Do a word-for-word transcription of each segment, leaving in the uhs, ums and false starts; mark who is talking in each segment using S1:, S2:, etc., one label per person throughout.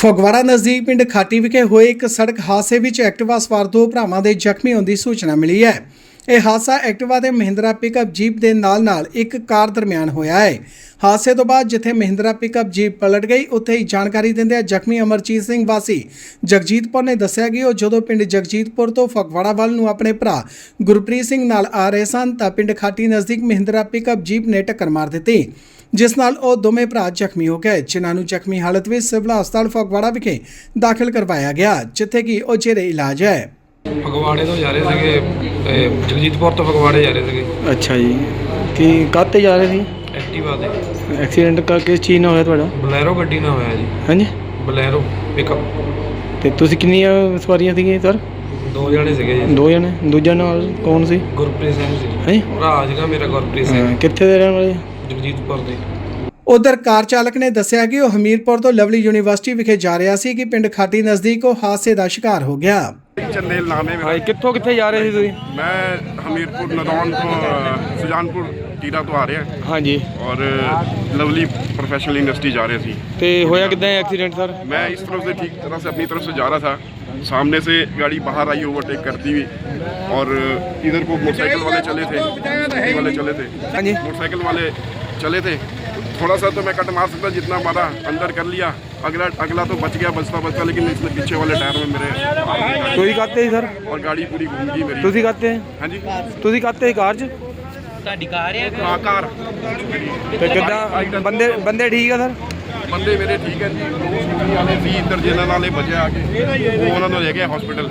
S1: ਫਗਵਾੜਾ ਨਜ਼ਦੀਕ ਪਿੰਡ ਖਾਟੀ ਵਿਖੇ ਹੋਏ ਇੱਕ ਸੜਕ ਹਾਦਸੇ ਵਿੱਚ ਐਕਟਿਵਾ ਸਵਾਰ ਦੋ ਭਰਾਵਾਂ ਦੇ ਜ਼ਖਮੀ ਹੋਣ ਦੀ ਸੂਚਨਾ ਮਿਲੀ ਹੈ। ਇਹ ਹਾਦਸਾ ਐਕਟਿਵਾ ਦੇ ਮਹਿੰਦਰਾ ਪਿਕਅਪ ਜੀਪ ਦੇ ਨਾਲ-ਨਾਲ ਇੱਕ ਕਾਰ ਦਰਮਿਆਨ ਹੋਇਆ ਹੈ। ਹਾਦਸੇ ਤੋਂ ਬਾਅਦ ਜਿੱਥੇ ਮਹਿੰਦਰਾ ਪਿਕਅਪ ਜੀਪ ਪਲਟ ਗਈ, ਉੱਥੇ ਹੀ ਜਾਣਕਾਰੀ ਦਿੰਦਿਆਂ ਜ਼ਖਮੀ ਅਮਰਜੀਤ ਸਿੰਘ ਵਾਸੀ ਜਗਜੀਤਪੁਰ ਨੇ ਦੱਸਿਆ ਕਿ ਉਹ ਜਦੋਂ ਪਿੰਡ ਜਗਜੀਤਪੁਰ ਤੋਂ ਫਗਵਾੜਾ ਵੱਲ ਨੂੰ ਆਪਣੇ ਭਰਾ ਗੁਰਪ੍ਰੀਤ ਸਿੰਘ ਨਾਲ ਆ ਰਹੇ ਸਨ ਤਾਂ ਪਿੰਡ ਖਾਟੀ ਨਜ਼ਦੀਕ ਮਹਿੰਦਰਾ ਪਿਕਅਪ ਜੀਪ ਨੇ ਟੱਕਰ ਮਾਰ ਦਿੱਤੀ, ਜਿਸ ਨਾਲ ਉਹ ਦੋਵੇਂ ਭਰਾ ਜ਼ਖਮੀ ਹੋ ਗਏ, ਜਿਨ੍ਹਾਂ ਨੂੰ ਜ਼ਖਮੀ ਹਾਲਤ ਵਿੱਚ ਸਿਵਲ ਹਸਪਤਾਲ ਫਗਵਾੜਾ ਵਿਖੇ ਦਾਖਲ ਕਰਵਾਇਆ ਗਿਆ, ਜਿੱਥੇ ਕਿ ਉਹ ਜੇਰੇ ਇਲਾਜ ਹੈ।
S2: ਫਗਵਾੜੇ ਤੋਂ ਜਾ ਰਹੇ ਸੀਗੇ, ਜਗਜੀਤਪੁਰ ਤੋਂ ਫਗਵਾੜੇ ਜਾ ਰਹੇ ਸੀਗੇ।
S3: ਅੱਛਾ ਜੀ, ਕੀ ਕਾਹਤੇ ਜਾ ਰਹੇ ਸੀ?
S2: ਐਕਟਿਵਾ ਤੇ।
S3: ਐਕਸੀਡੈਂਟ ਕਾ ਕਿਸ ਚੀਜ਼ ਨਾਲ ਹੋਇਆ ਤੁਹਾਡਾ?
S2: ਬਲੈਰੋ ਗੱਡੀ ਨਾਲ ਹੋਇਆ ਜੀ।
S3: ਹਾਂਜੀ,
S2: ਬਲੈਰੋ ਪਿਕਅਪ।
S3: ਤੇ ਤੁਸੀਂ ਕਿੰਨੀਆਂ ਸਵਾਰੀਆਂ ਸੀਗੀਆਂ ਸਰ?
S2: ਦੋ ਜਣੇ ਸੀਗੇ ਜੀ।
S3: ਦੋ ਜਣੇ। ਦੂਜਾ ਨਾਲ ਕੌਣ ਸੀ?
S2: ਗੁਰਪ੍ਰੀਤ ਸਿੰਘ ਸੀ।
S3: ਹਾਂਜੀ,
S2: ਭਰਾ ਸੀਗਾ ਮੇਰਾ ਗੁਰਪ੍ਰੀਤ ਸਿੰਘ।
S3: ਕਿੱਥੇ ਦੇ ਰਹਿਣ ਵਾਲੇ?
S2: ਜਗਜੀਤਪੁਰ ਦੇ।
S1: ਉਧਰ ਕਾਰ ਚਾਲਕ ਨੇ ਦੱਸਿਆ ਕਿ ਉਹ ਹਮੀਰਪੁਰ ਤੋਂ ਲਵਲੀ ਯੂਨੀਵਰਸਿਟੀ ਵਿਖੇ ਜਾ ਰਿਹਾ ਸੀ ਕਿ ਪਿੰਡ ਖਾਟੀ ਨਜ਼ਦੀਕ ਉਹ ਹਾਦਸੇ ਦਾ ਸ਼ਿਕਾਰ ਹੋ ਗਿਆ।
S4: चंदेल नाम है मेरा।
S3: ਕਿੱਥੋਂ ਕਿੱਥੇ ਜਾ ਰਹੇ ਸੀ ਤੁਸੀਂ?
S4: मैं हमीरपुर नदौन तो सुजानपुर टीरा तो आ रहे हैं
S3: ਹਾਂਜੀ,
S4: और लवली प्रोफेशनल यूनिवर्सिटी जा रहे थे।
S3: ਤੇ ਹੋਇਆ ਕਿੱਦਾਂ ਐਕਸੀਡੈਂਟ ਸਰ?
S4: मैं इस तरफ से ठीक तरह से अपनी तरफ से जा रहा था, सामने से गाड़ी बाहर आई ओवरटेक करती हुई, और इधर को मोटरसाइकिल वाले चले थे, स्कूटी वाले चले थे,
S3: हाँ जी।
S4: मोटरसाइकिल वाले चले थे। थोड़ा सा तो मैं कट मार सकता, जितना मारा अंदर कर लिया, अगला अगला तो बच गया बचता बचता, लेकिन इसने पीछे वाले टायर में मेरे
S3: ਤੁਸੀਂ ਕਾਹਤੇ ਸੀ ਸਰ?
S4: और गाड़ी पूरी घूम गई मेरी।
S3: ਤੁਸੀਂ ਕਾਹਤੇ?
S4: हाँ जी,
S3: ਤੁਸੀਂ ਕਾਹਤੇ ਸੀ ਕਾਰ 'ਚ?
S5: ਤੁਹਾਡੀ ਕਾਰ ਹੈ?
S4: हाँ कार।
S3: ਤੇ ਕਿੱਦਾਂ ਬੰਦੇ ਬੰਦੇ ਠੀਕ ਆ ਸਰ?
S4: ਬੰਦੇ ਮੇਰੇ ਠੀਕ ਹੈ ਜੀ। ਦੋ ਸਕੂਟੀ ਵਾਲੇ ਸੀ ਇੱਧਰ, ਜਿਹਨਾਂ ਨਾਲੇ ਬਚਿਆ ਆ ਕੇ ਉਹ ਉਹਨਾਂ ਨੂੰ ਲੈ ਗਏ ਹਸਪੀਟਲ।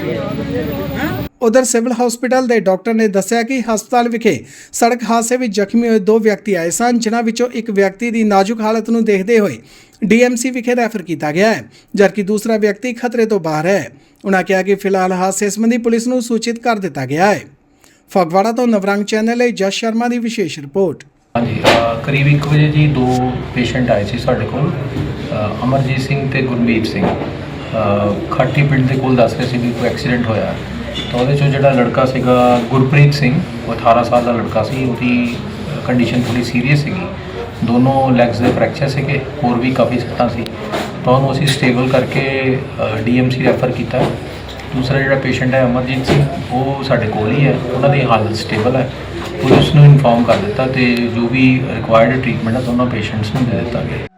S1: ਉਧਰ ਸਿਵਲ ਹਸਪੀਟਲ ਦੇ ਡਾਕਟਰ ਨੇ ਦੱਸਿਆ ਕਿ ਹਸਪਤਾਲ ਵਿਖੇ ਸੜਕ ਹਾਦਸੇ ਵਿੱਚ ਜ਼ਖਮੀ ਹੋਏ ਦੋ ਵਿਅਕਤੀ ਆਏ ਸਨ, ਜਿਨ੍ਹਾਂ ਵਿੱਚੋਂ ਇੱਕ ਵਿਅਕਤੀ ਦੀ ਨਾਜ਼ੁਕ ਹਾਲਤ ਨੂੰ ਦੇਖਦੇ ਹੋਏ ਡੀਐਮਸੀ ਵਿਖੇ ਰੈਫਰ ਕੀਤਾ ਗਿਆ ਹੈ, ਜਦਕਿ ਦੂਸਰਾ ਵਿਅਕਤੀ ਖਤਰੇ ਤੋਂ ਬਾਹਰ ਹੈ। ਉਨ੍ਹਾਂ ਕਿਹਾ ਕਿ ਫਿਲਹਾਲ ਹਾਦਸੇ ਸੰਬੰਧੀ ਪੁਲਿਸ ਨੂੰ ਸੂਚਿਤ ਕਰ ਦਿੱਤਾ ਗਿਆ ਹੈ। ਫਗਵਾੜਾ ਤੋਂ ਨਵਰੰਗ ਚੈਨਲ ਲਈ ਜਸ ਸ਼ਰਮਾ ਦੀ ਵਿਸ਼ੇਸ਼ ਰਿਪੋਰਟ।
S6: ਹਾਂਜੀ, ਅ, ਕਰੀਬ ਇੱਕ ਵਜੇ ਜੀ ਦੋ ਪੇਸ਼ੈਂਟ ਆਏ ਸੀ ਸਾਡੇ ਕੋਲ, ਅ, ਅਮਰਜੀਤ ਸਿੰਘ ਤੇ ਗੁਰਮੀਤ ਸਿੰਘ। ਅ, ਖਾਟੀ ਪਿੰਡ ਦੇ ਕੋਲ ਦੱਸ ਰਹੇ ਸੀ ਵੀ ਕੋਈ ਐਕਸੀਡੈਂਟ ਹੋਇਆ, ਤਾਂ ਉਹਦੇ 'ਚੋਂ ਜਿਹੜਾ ਲੜਕਾ ਸੀਗਾ ਗੁਰਪ੍ਰੀਤ ਸਿੰਘ, ਉਹ ਅਠਾਰਾਂ ਸਾਲ ਦਾ ਲੜਕਾ ਸੀ, ਉਹਦੀ ਕੰਡੀਸ਼ਨ ਥੋੜ੍ਹੀ ਸੀਰੀਅਸ ਸੀਗੀ। ਦੋਨੋਂ ਲੈਗਸ ਦੇ ਫ੍ਰੈਕਚਰ ਸੀਗੇ, ਹੋਰ ਵੀ ਕਾਫੀ ਸੱਟਾਂ ਸੀ, ਤਾਂ ਉਹਨੂੰ ਅਸੀਂ ਸਟੇਬਲ ਕਰਕੇ ਡੀਐਮਸੀ ਰੈਫਰ ਕੀਤਾ। ਦੂਸਰਾ ਜਿਹੜਾ ਪੇਸ਼ੈਂਟ ਹੈ ਅਮਰਜੀਤ ਸਿੰਘ, ਉਹ ਸਾਡੇ ਕੋਲ ਹੀ ਹੈ, ਉਹਨਾਂ ਦੀ ਹਾਲਤ ਸਟੇਬਲ ਹੈ। ਪੁਲਿਸ ਨੂੰ ਇਨਫੋਰਮ ਕਰ ਦਿੱਤਾ ਤੇ ਜੋ ਵੀ ਰਿਕੁਆਇਰਡ ਟ੍ਰੀਟਮੈਂਟ ਹੈ ਦੋਨੋਂ ਪੇਸ਼ੈਂਟਸ ਨੂੰ ਦੇ ਦਿੱਤਾ ਗਿਆ।